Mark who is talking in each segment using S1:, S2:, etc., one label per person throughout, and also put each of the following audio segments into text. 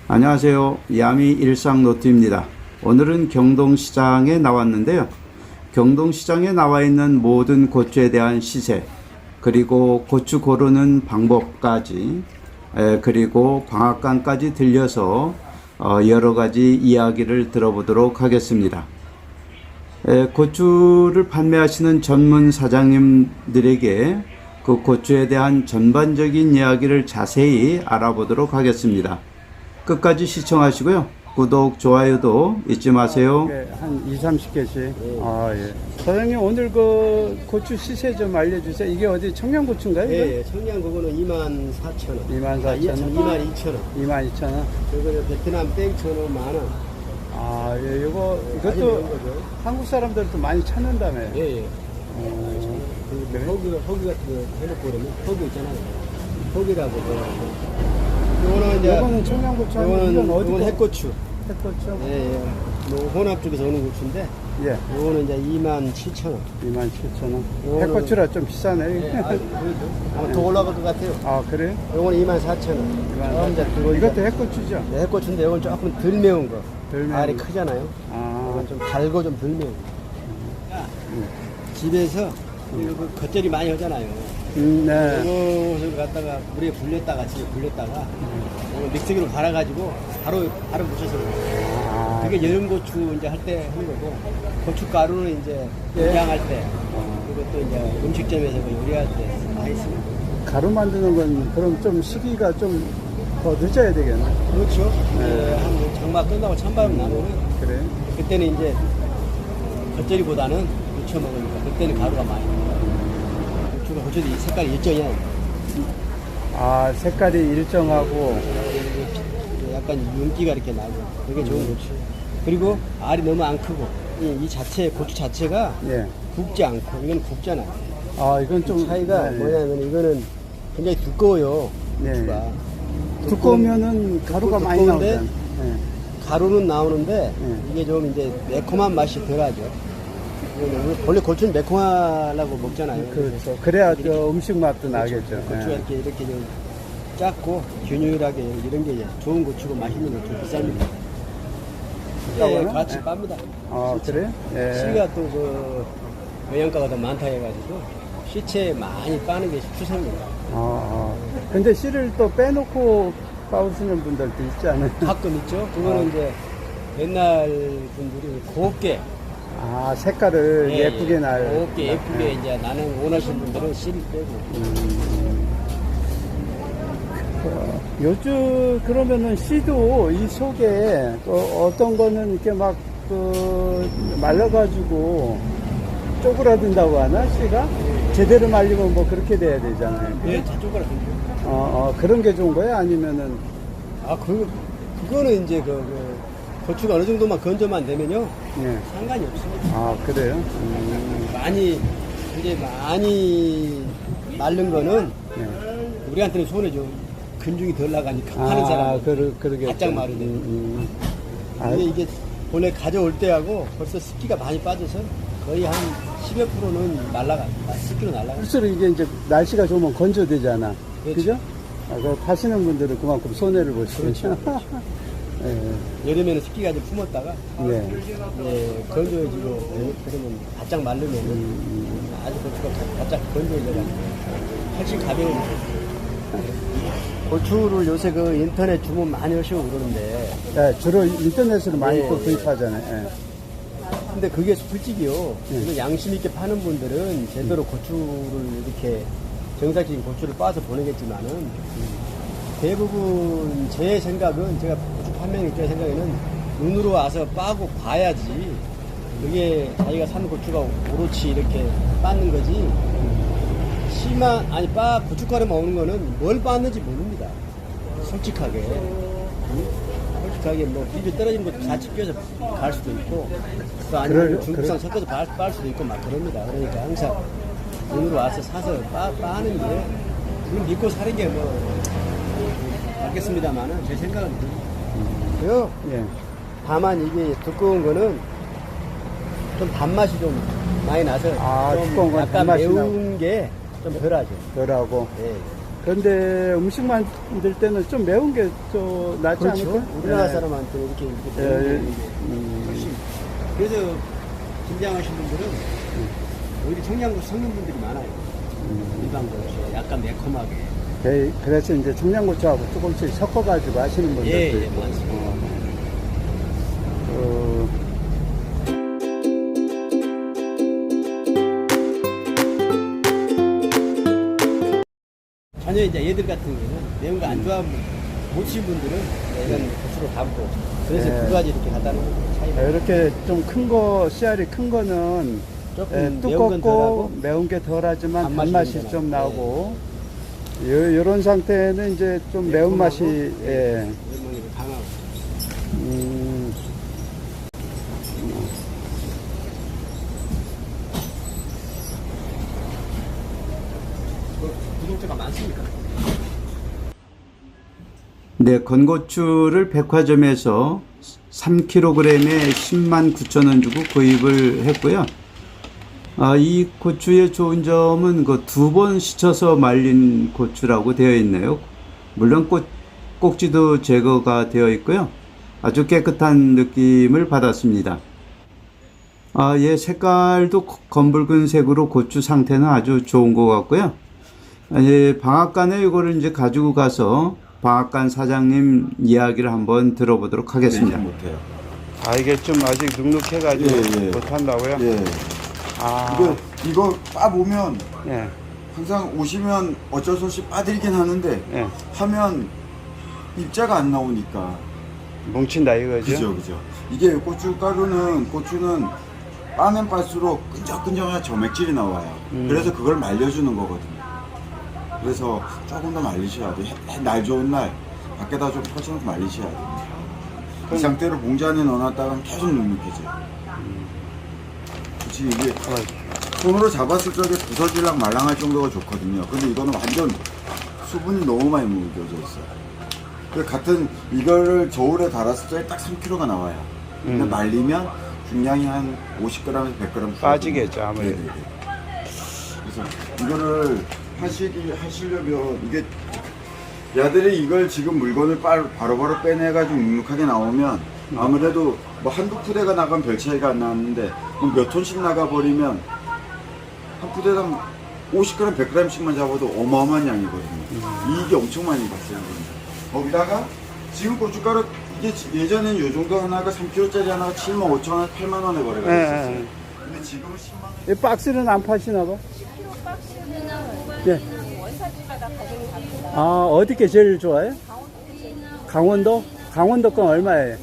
S1: 안녕하세요. 야미 일상노트입니다. 오늘은 경동시장에 나왔는데요. 경동시장에 나와 있는 모든 고추에 대한 시세, 그리고 고추 고르는 방법까지, 그리고 방앗간까지 들려서 여러 가지 이야기를 들어보도록 하겠습니다. 고추를 판매하시는 전문 사장님들에게 그 고추에 대한 전반적인 이야기를 자세히 알아보도록 하겠습니다. 끝까지 시청하시고요. 구독, 좋아요도 잊지 마세요.
S2: 한 2, 30개씩. 예. 사장님, 오늘 그 고추 시세 좀 알려주세요. 이게 어디 청양고추인가요?
S3: 예, 청양 그거는 24,000원.
S2: 24,000원.
S3: 22,000원.
S2: 22,000원.
S3: 그거는 베트남 땡초는 만원.
S2: 예, 이것도 한국 사람들도 많이 찾는다며요.
S3: 예, 예.
S2: 그래?
S3: 허기 같은 거 해놓고 그러면 허기 있잖아요. 허기라고.
S2: 이거는 청양고추
S3: 이거는 해고추.
S2: 해고추?
S3: 예, 예. 뭐 혼합 쪽에서 오는 고추인데.
S2: 예.
S3: 이거는 이제 27,000원.
S2: 27,000원. 해고추라 좀 비싸네.
S3: 예, 아마 더 올라갈 것 같아요.
S2: 그래요?
S3: 이거는 24,000원.
S2: 이것도 해고추죠?
S3: 네, 해고추인데 이건 조금 덜 매운 거.
S2: 덜 매운
S3: 알이
S2: 거.
S3: 크잖아요. 이건 좀 달고 좀 덜 매운 거. 집에서 그 겉절이 많이 하잖아요.
S2: 네.
S3: 이것을 갖다가 물에 불렸다가 집에 불렸다가 믹서기로 갈아가지고 바로 묻혀서 먹어요. 그게 여름고추 이제 할 때 하는 거고, 고춧가루는 이제 요리할 때, 그리고 또 이제 음식점에서 그 요리할 때 많이 쓰는 거예요.
S2: 가루 만드는 건 그럼 좀 시기가 좀 더 늦어야 되겠네.
S3: 그렇죠. 한 장마 끝나고 찬바람 나면은
S2: 그래.
S3: 그때는 이제 겉절이보다는 무쳐 먹으니까 그때는 가루가 많이 나요. 고추도 이 색깔이 일정이야.
S2: 색깔이 일정하고.
S3: 약간 윤기가 이렇게 나고 되게 좋은 고추. 그리고 알이 너무 안 크고 이 자체 고추 자체가 굵지 않고 이건 굵잖아요.
S2: 이건 좀
S3: 차이가 뭐냐면 이거는 굉장히 두꺼워요. 고추가.
S2: 두꺼우면은 가루가 많이 나오잖아요.
S3: 가루는 나오는데 이게 좀 이제 매콤한 맛이 덜하죠. 원래 고추는 매콤하려고 먹잖아요.
S2: 그렇죠. 그래야 저 음식 맛도 나겠죠.
S3: 고추가 이렇게 좀 작고 균일하게 이런 게 좋은 고추고 맛있는 고추 비쌉니다. 예, 같이 빱니다.
S2: 그래요?
S3: 씨가 또 그 영양가가 더 많다 해가지고 씨체 많이 빠는 게 추세입니다.
S2: 근데 씨를 또 빼놓고 빠우시는 분들도 있지 않아요?
S3: 가끔 있죠. 그거는 이제 옛날 분들이 곱게
S2: 색깔을 예쁘게
S3: 곱게 예쁘게 이제 나는 원하시는 분들은 씨를 빼고.
S2: 요즘 그러면은 씨도 이 속에 어떤 거는 이렇게 막 말라가지고 쪼그라든다고 하나 씨가 제대로 말리면 뭐 그렇게 돼야 되잖아요.
S3: 예, 다 쪼그라든죠.
S2: 그런 게 좋은 거예요? 아니면은
S3: 그거는 이제 고추가 어느 정도만 건조만 되면요 상관이 없습니다.
S2: 그래요?
S3: 많이 마른 거는 우리한테는 손해죠. 근중이 덜 나가니까 파는 사람
S2: 그러겠죠.
S3: 바짝 마르네. 이게 본래 가져올 때하고 벌써 습기가 많이 빠져서 거의 한 10여 %는 습기로 날라가.
S2: 실제로 이게 이제 날씨가 좋으면 건조되잖아. 그죠? 파시는 분들은 그만큼 손해를 보시죠.
S3: 그렇죠. 여름에는 습기가 좀 품었다가 건조해지고 그러면 바짝 마르면 아주 고추가 바짝 건조해져가지고 훨씬 가벼워지죠. 고추를 요새 인터넷 주문 많이 하시고 그러는데.
S2: 주로 인터넷으로 많이 또 구입하잖아요.
S3: 근데 그게 솔직히요. 양심 있게 파는 분들은 제대로 고추를 이렇게 정상적인 고추를 빻아서 보내겠지만은 대부분 제 생각은 제가 고추 판매하는 입장의 생각에는 눈으로 와서 빠고 봐야지 그게 자기가 산 고추가 오롯이 이렇게 빻는 거지. 고춧가루만 오는 거는 뭘 빻는지 모릅니다. 솔직하게 뭐 비벼 떨어지는 것도 같이 껴서 갈 수도 있고 또 아니면 중국산 섞어서 빻을 수도 있고 막 그럽니다. 그러니까 항상 눈으로 와서 사서 빠는 게 그걸 믿고 사는 게 맞겠습니다만은 제 생각은 그래요. 다만 이게 두꺼운 거는 좀 단맛이 좀 많이 나서 좀
S2: 두꺼운 건
S3: 약간
S2: 단맛이
S3: 매운 게 좀 덜하죠.
S2: 덜하고. 그런데 음식 만들 때는 좀 매운 게 좀 낫지
S3: 그렇죠.
S2: 않을까?
S3: 우리나라
S2: 예.
S3: 사람한테 이렇게
S2: 예,
S3: 배우는
S2: 예.
S3: 게 훨씬. 그래서 김장하신 분들은 오히려 청양고추 섞는 분들이 많아요. 일반 고추 약간 매콤하게.
S2: 그래서 이제 청양고추하고 조금씩 섞어가지고 하시는 분들도
S3: 예, 예,
S2: 있고.
S3: 맞습니다.
S2: 어,
S3: 전혀 이제 얘들 같은 경우는 매운 거 안 좋아하는 못 드신 분들은 이런 고추로 담고 그래서
S2: 네.
S3: 두 가지 이렇게 갖다는 차이가
S2: 이렇게 좀 큰 거, 씨알이 큰 거는
S3: 조금
S2: 예,
S3: 매운 건
S2: 두껍고
S3: 덜하고
S2: 매운 게 덜하지만
S3: 단맛이
S2: 단맛이
S3: 좀
S2: 좀
S3: 나고.
S2: 나고 이런 상태는 이제 좀 매운맛이 예.
S3: 매운맛이 강하고
S2: 음,
S3: 구독자가 많습니까?
S1: 네, 건고추를 백화점에서 3kg에 10만 9천 원 주고 구입을 했고요. 이 고추의 좋은 점은 그 2번 씻어서 말린 고추라고 되어 있네요. 물론 꼭지도 제거가 되어 있고요. 아주 깨끗한 느낌을 받았습니다. 예, 색깔도 검붉은 색으로 고추 상태는 아주 좋은 것 같고요. 예, 방앗간에 이거를 이제 가지고 가서 방앗간 사장님 이야기를 한번 들어보도록 하겠습니다.
S4: 못해요.
S2: 이게 좀 아직 눅눅해가지고
S4: 예, 예.
S2: 못한다고요?
S4: 예. 이거 빠 보면
S2: 예,
S4: 항상 오시면 어쩔 수 없이 빠드리긴 하는데
S2: 예.
S4: 하면 입자가 안 나오니까.
S2: 뭉친다 이거죠?
S4: 그죠. 이게 고춧가루는 고추는 빠면 빨수록 끈적끈적한 점액질이 나와요. 그래서 그걸 말려주는 거거든요. 그래서 조금 더 말리셔야 돼요. 날 좋은 날 밖에다 좀 펼쳐놓고 말리셔야 돼요. 이 상태로 봉지 안에 넣어놨다가는 계속 눅눅해져요. 그치, 이게 손으로 잡았을 적에 부서질랑 말랑할 정도가 좋거든요. 근데 이거는 완전 수분이 너무 많이 묻어져 있어요. 그 같은 이거를 저울에 달았을 적에 딱 3kg가 나와요. 근데 말리면 중량이 한 50g에서 100g
S2: 빠지겠죠, 아무래도.
S4: 네네네. 그래서 이거를 하시려면 이게 야들이 이걸 지금 물건을 바로바로 빼내가지고 눅눅하게 나오면 아무래도 뭐 한두 푸대가 나가면 별 차이가 안 나는데 뭐몇 톤씩 나가버리면 한 푸대당 50g, 100g씩만 잡아도 어마어마한 양이거든요. 이게 엄청 많이 갔어요. 거기다가 지금 고춧가루 이게 예전에는 요 정도 하나가 3kg짜리 하나가 7만 5천 원, 8만 원에 거래가
S2: 예,
S4: 됐었어요.
S2: 예.
S4: 근데 지금은 10만 원.
S2: 이 박스는 안 파시나 봐? 예. 어디 게 제일 좋아요? 강원도? 강원도 건 얼마예요?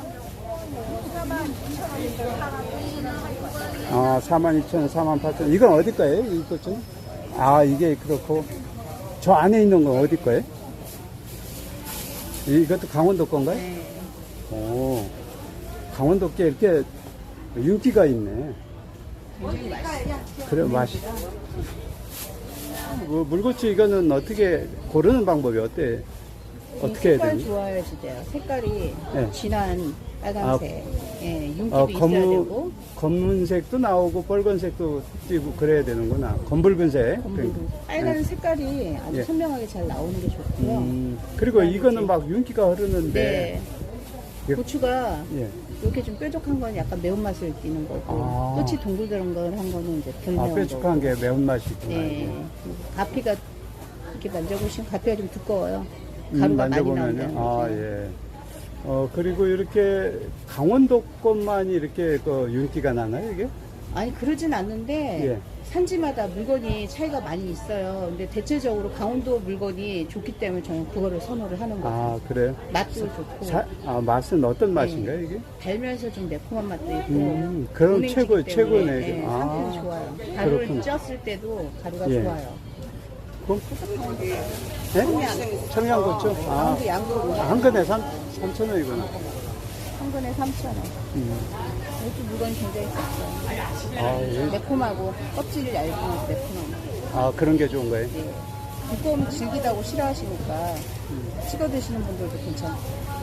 S2: 42,000원, 48,000원. 이건 어디 거예요? 이거 좀? 이게 그렇고. 저 안에 있는 건 어디 거예요? 이것도 강원도 건가요?
S5: 네.
S2: 오, 강원도 게 이렇게 윤기가 있네. 그래, 맛이. 물고추 이거는 어떻게 고르는 방법이 어때요? 어떻게 해야
S5: 색깔
S2: 되니?
S5: 좋아야지 돼요. 색깔이
S2: 네.
S5: 진한 빨간색. 예, 윤기도 있어야 되고.
S2: 검은색도 나오고 빨간색도 띄고 그래야 되는구나. 검붉은색.
S5: 검붉은. 빨간
S2: 네.
S5: 색깔이 아주
S2: 예.
S5: 선명하게 잘 나오는 게 좋고요.
S2: 그리고
S5: 그다음에
S2: 이거는
S5: 이제-
S2: 막 윤기가 흐르는데.
S5: 네.
S2: 이게-
S5: 고추가
S2: 예.
S5: 이렇게 좀 뾰족한 건 약간 매운맛을 띠는 거고, 끝이 동글동글한 거는 이제 덜 매운
S2: 뾰족한
S5: 거고.
S2: 게 매운맛이 있구나.
S5: 네. 그리고 가피가 이렇게 만져보시면 가피가 좀 두꺼워요. 가루가 많이
S2: 만져보면요.
S5: 나온다는 거죠.
S2: 예. 그리고 이렇게 강원도 것만이 이렇게 그 윤기가 나나요, 이게?
S5: 아니 그러진 않는데
S2: 예.
S5: 산지마다 물건이 차이가 많이 있어요. 근데 대체적으로 강원도 물건이 좋기 때문에 저는 그거를 선호를 하는 거죠.
S2: 그래요?
S5: 맛도 좋고
S2: 맛은 어떤 맛인가요, 이게?
S5: 달면서 좀 매콤한 맛도 있고.
S2: 그럼
S5: 은행지기
S2: 최고네,
S5: 때문에,
S2: 이게.
S5: 네, 상태도 좋아요. 가루를
S2: 그렇구나.
S5: 쪘을 때도 가루가
S2: 예.
S5: 좋아요.
S2: 그럼? 네? 청양고추?
S5: 강원도 양도
S2: 한 근에 3,000원이구나.
S5: 한 근에 3,000원. 이것도 물건이 굉장히 좋죠.
S2: 예.
S5: 매콤하고 껍질이 얇고 매콤하고.
S2: 그런 게 좋은 거예요?
S5: 예. 두꺼우면 질기다고 싫어하시니까 찍어 드시는 분들도 괜찮고.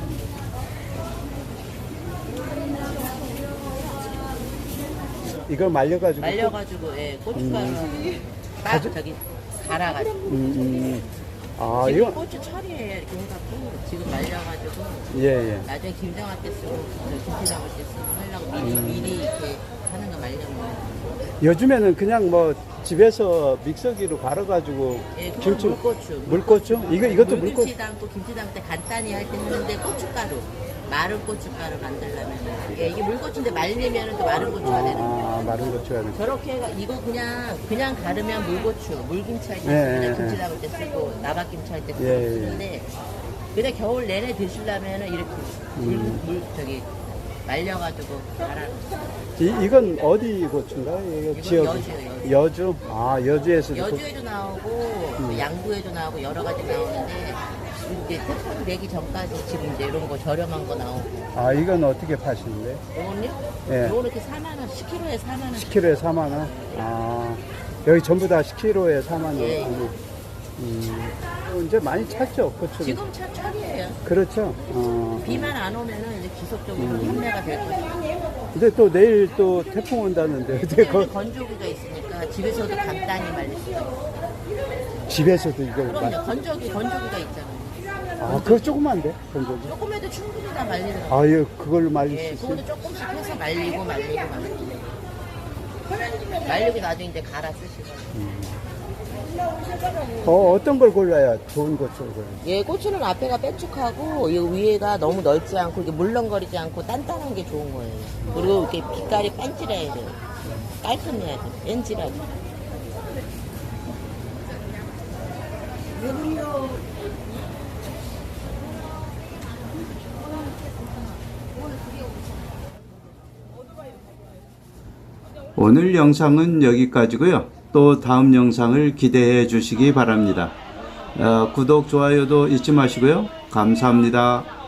S2: 이걸 말려가지고.
S6: 말려가지고 예, 고춧가루는 딱 저기 갈아가지고
S2: 아,
S6: 지금
S2: 이거,
S6: 고추 철이에요. 이렇게 해갖고 지금 말려가지고
S2: 예, 예.
S6: 나중에 김장할 때 쓰고 김치 담을 때 쓰고 하려고 미리 이렇게 하는 거 말려면
S2: 요즘에는 그냥 뭐 집에서 믹서기로 갈아가지고
S6: 예, 그건
S2: 김치,
S6: 물고추.
S2: 물고추? 이것도 물고추.
S6: 물김치 담고 김치 담을 때 간단히 할 때 하는데 고춧가루 마른 고춧가루 만들려면 예, 이게 물고추인데 말리면 또 마른 고추가 되는 거예요.
S2: 아, 마른 고추가 되는.
S6: 저렇게 해가 이거 그냥 가르면 물고추, 물김치 할 때
S2: 예,
S6: 그냥
S2: 예,
S6: 김치
S2: 예.
S6: 담을 때 쓰고 나박김치 할 때
S2: 예, 예.
S6: 쓰는데 그냥 겨울 내내 드시려면 이렇게 물 저기 말려가지고 갈아.
S2: 이건 어디 고추인가? 이거
S6: 이건
S2: 지역.
S6: 여주예요,
S2: 여주? 아, 여주에서도.
S6: 여주에도 나오고 양구에도 나오고 여러 가지 나오는데 이제 태풍 내기 전까지 지금 이제 이런 거 저렴한 거 나오고
S2: 아, 이건 어떻게 파시는데?
S6: 요거는요?
S2: 예.
S6: 요거 이렇게 4만 원, 10kg에 4만 원.
S2: 10kg에 4만원? 아, 여기 전부 다 10kg에 4만원.
S6: 예.
S2: 이제 많이 찼죠, 고추를.
S6: 지금 차 철이에요.
S2: 그렇죠.
S6: 비만 안 오면은 이제 지속적으로 판매가 될 거예요.
S2: 근데 또 내일 또 태풍 온다는데. 어떻게
S6: 근데 건조기가 있으니까 집에서도 간단히 말릴 수 있어요.
S2: 집에서도 이걸.
S6: 그럼요. 건조기가 있잖아요.
S2: 아, 그거 조그만데? 건조기.
S6: 조금 해도 충분히 다 말리더라고요.
S2: 아, 예, 그걸로 말릴
S6: 예,
S2: 수 있어요?
S6: 그것도 조금씩 해서 말리고. 말리고 나중에 이제 갈아 쓰시고.
S2: 어떤 걸 골라야 좋은 고추를 골라요?
S6: 예, 고추는 앞에가 빽쭉하고 이 위에가 너무 넓지 않고 이게 물렁거리지 않고 단단한 게 좋은 거예요. 그리고 이렇게 빛깔이 반질해야 돼요. 깔끔해야 돼요. 뺀질하게.
S1: 오늘 영상은 여기까지고요. 또 다음 영상을 기대해 주시기 바랍니다. 구독, 좋아요도 잊지 마시고요. 감사합니다.